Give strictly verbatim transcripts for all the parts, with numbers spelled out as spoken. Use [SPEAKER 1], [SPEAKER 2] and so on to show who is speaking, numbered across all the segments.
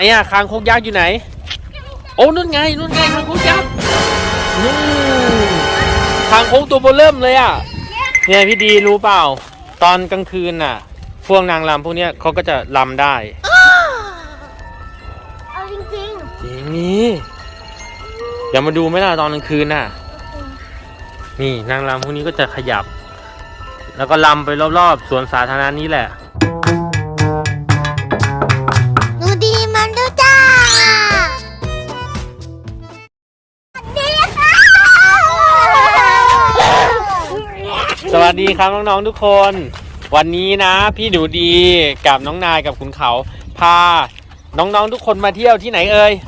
[SPEAKER 1] ไอ้อะคางคกยักษ์อยู่ไหนโอ้นู่นไงนู่นไงคางคกยักษ์นู่นคางคกตัวเบอเริ่มเลยอ่ะเนี่ยพี่ดีรู้เปล่าตอนกลางคืนน่ะพวกนางรำพวกเนี้ยเขาก็จะรำได้
[SPEAKER 2] เอาจริงจริง
[SPEAKER 1] จริงนี่เดี๋ยวมาดูไหมล่ะตอนกลางคืนน่ะนี่นางรำพวกนี้ก็จะขยับแล้วก็รำไปรอบๆสวนสาธารณะนี้แหละ
[SPEAKER 2] หนูดีมันดูจ้าดีค่ะ
[SPEAKER 1] สวัสดีครับน้องๆทุกคนวันนี้นะพี่หนูดีกับน้องนายกับขุนเขาพาน้องๆทุกคนมาเที่ยวที่ไหนเอ่ย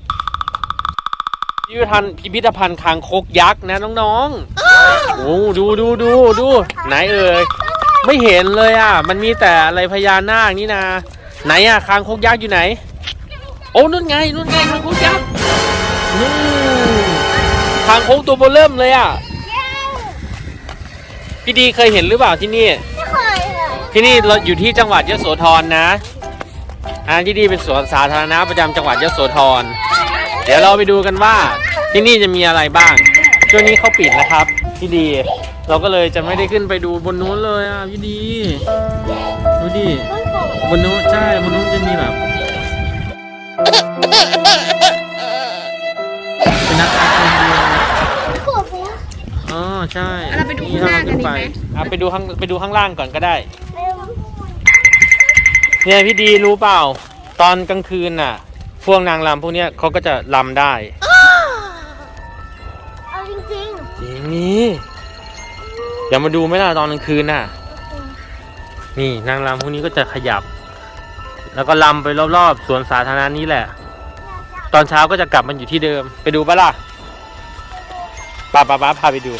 [SPEAKER 1] พิพิธภัณฑ์พิพิธภัณฑ์คางคกยักษ์นะน้องๆโอ้ดูดูดูดูไหนเอ่ยไม่เห็นเลยอ่ะมันมีแต่อะไรพญานาคนี่นะไหนอ่ะคางคกยักษ์อยู่ไหนโอ้นู่นไงนู่นไงคางคกยักษ์นู่นคางคกตัวเบอเริ่มเลยอ่ะพี่ดีเคยเห็นหรือเปล่าที่นี่
[SPEAKER 2] ไม่เคยเลย
[SPEAKER 1] ที่นี่เราอยู่ที่จังหวัดยโสธรนะอ่าที่นี่เป็นสวนสาธารณะประจำจังหวัดยโสธรเดี๋ยวเราไปดูกันว่าที่นี่จะมีอะไรบ้างช่วงนี้เขาปิดนะครับพี่ดีเราก็เลยจะไม่ได้ขึ้นไปดูบนนู้นเลยอ่ะพี่ดีดูดิบนนู้นใช่บนนู้นจะมีแบบเป็นนักการเมืองอ๋อใช่
[SPEAKER 3] เราไปดูข้างล่างกันดีไหม
[SPEAKER 1] อ่ะไปดูข้างไปดูข้างล่างก่อนก็ได้เนี่ยพี่ดีรู้เปล่าตอนกลางคืนน่ะพวกนางรำพวกเนี้ยเขาก็จะรำได้
[SPEAKER 2] เอาจริงจริง
[SPEAKER 1] จริงนี่เดี๋ยวมาดูไหมล่ะตอนกลางคืนน่ะนี่นางรำพวกนี้ก็จะขยับแล้วก็รำไปรอบๆสวนสาธารณะนี้แหละตอนเช้าก็จะกลับมันอยู่ที่เดิมไปดูปะล่ะป้าป้าป้าพาไปดู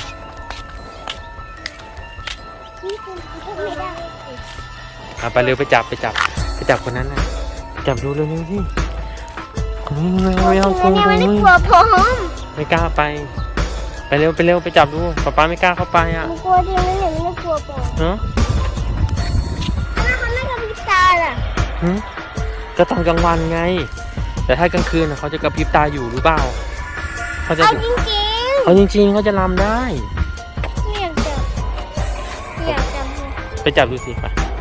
[SPEAKER 1] เอาไปเร็วไปจับไปจับไปจับคนนั้นนะจับดูเร็วๆที่ไม่เอากลัวไม่กลัวพร้อมไม่กล้าไปไปเร็วไปเร็วไปจับดูป้าป้าไม่กล้าเข้าไปอ่ะ
[SPEAKER 2] กลัวเดียวไม่เห็นไม่กลัวปอ
[SPEAKER 1] เนาะ
[SPEAKER 2] เขาไม่กระพริบตาล่ะ
[SPEAKER 1] ก็ตอนกลางวันไงแต่ถ้ากลางคืนเขาจะกระพริบตาอยู่หรือเปล่าเขาจะ
[SPEAKER 2] เอาจริงจริง
[SPEAKER 1] เอาจริงๆเขาจะรำได้
[SPEAKER 2] อยากจับอยากจับ
[SPEAKER 1] ไปจับดูสิไป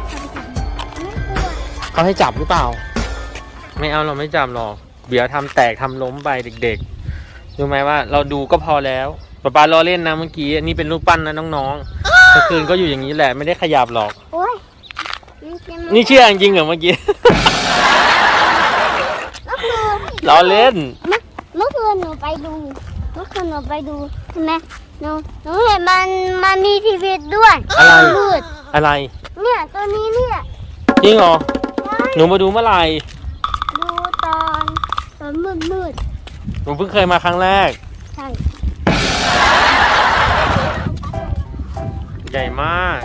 [SPEAKER 1] เขาให้จับหรือเปล่าไม่เอาเราไม่จับหรอกเดี๋ยวทำแตกทำล้มไปเด็กๆรู้ไหมว่าเราดูก็พอแล้วป๊าป๊าล้อเล่นนะเมื่อกี้นี่เป็นรูปปั้นนะน้องๆกลางคืนก็อยู่อย่างนี้แหละไม่ได้ขยับหรอกนี่เชื่อจริงเหรอเมื่อกี้ล้อเล่น
[SPEAKER 2] เมื่อคืนหนูไปดูเมื่อคืนหนูไปดูใช่ไหมหนูหนูเห็นมันมันมีทีวีด้วย
[SPEAKER 1] อะไร
[SPEAKER 2] มืด
[SPEAKER 1] อะไร
[SPEAKER 2] เนี่ยตัวนี้เนี่ย
[SPEAKER 1] จริงเหรอหนูมาดูเมื่อไหร่
[SPEAKER 2] ดูตอนตอนมืดมืด
[SPEAKER 1] หนูเพิ่งเคยมาครั้งแรก
[SPEAKER 2] ใช่
[SPEAKER 1] ใหญ่มาก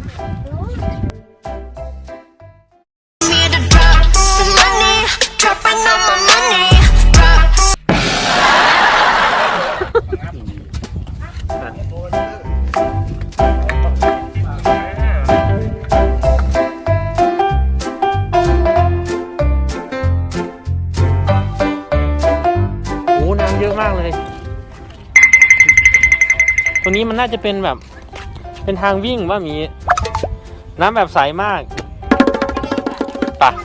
[SPEAKER 1] เยอะมากเลยตรงนี้มันน่าจะเป็นแบบเป็นทางวิ่งว่ามีน้ำแบบใสมากป่ะ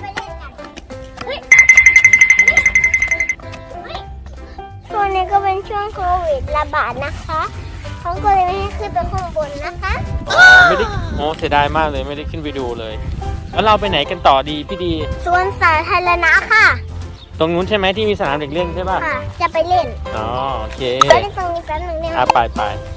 [SPEAKER 2] ช่วงนี้ก็เป็นช่วงโควิดระบาดนะคะเขาก็เลยไม่ให้ขึ้นไปข้างบนนะคะ
[SPEAKER 1] อ๋อไม่ได้โอ้เสียดายมากเลยไม่ได้ขึ้นไปดูเลยแล้วเราไปไหนกันต่อดีพี่ดี
[SPEAKER 2] สวนสาธารณะค่ะ
[SPEAKER 1] ตรงนู้นใช่ไหมที่มีสนามเด็กเล่นใช่ป่ะ
[SPEAKER 2] ค่ะจะไปเล่น
[SPEAKER 1] อ๋อโอเค
[SPEAKER 2] ไปเล่นตรงนี้แป๊บนึงได้ไหม
[SPEAKER 1] อ่ะไปไป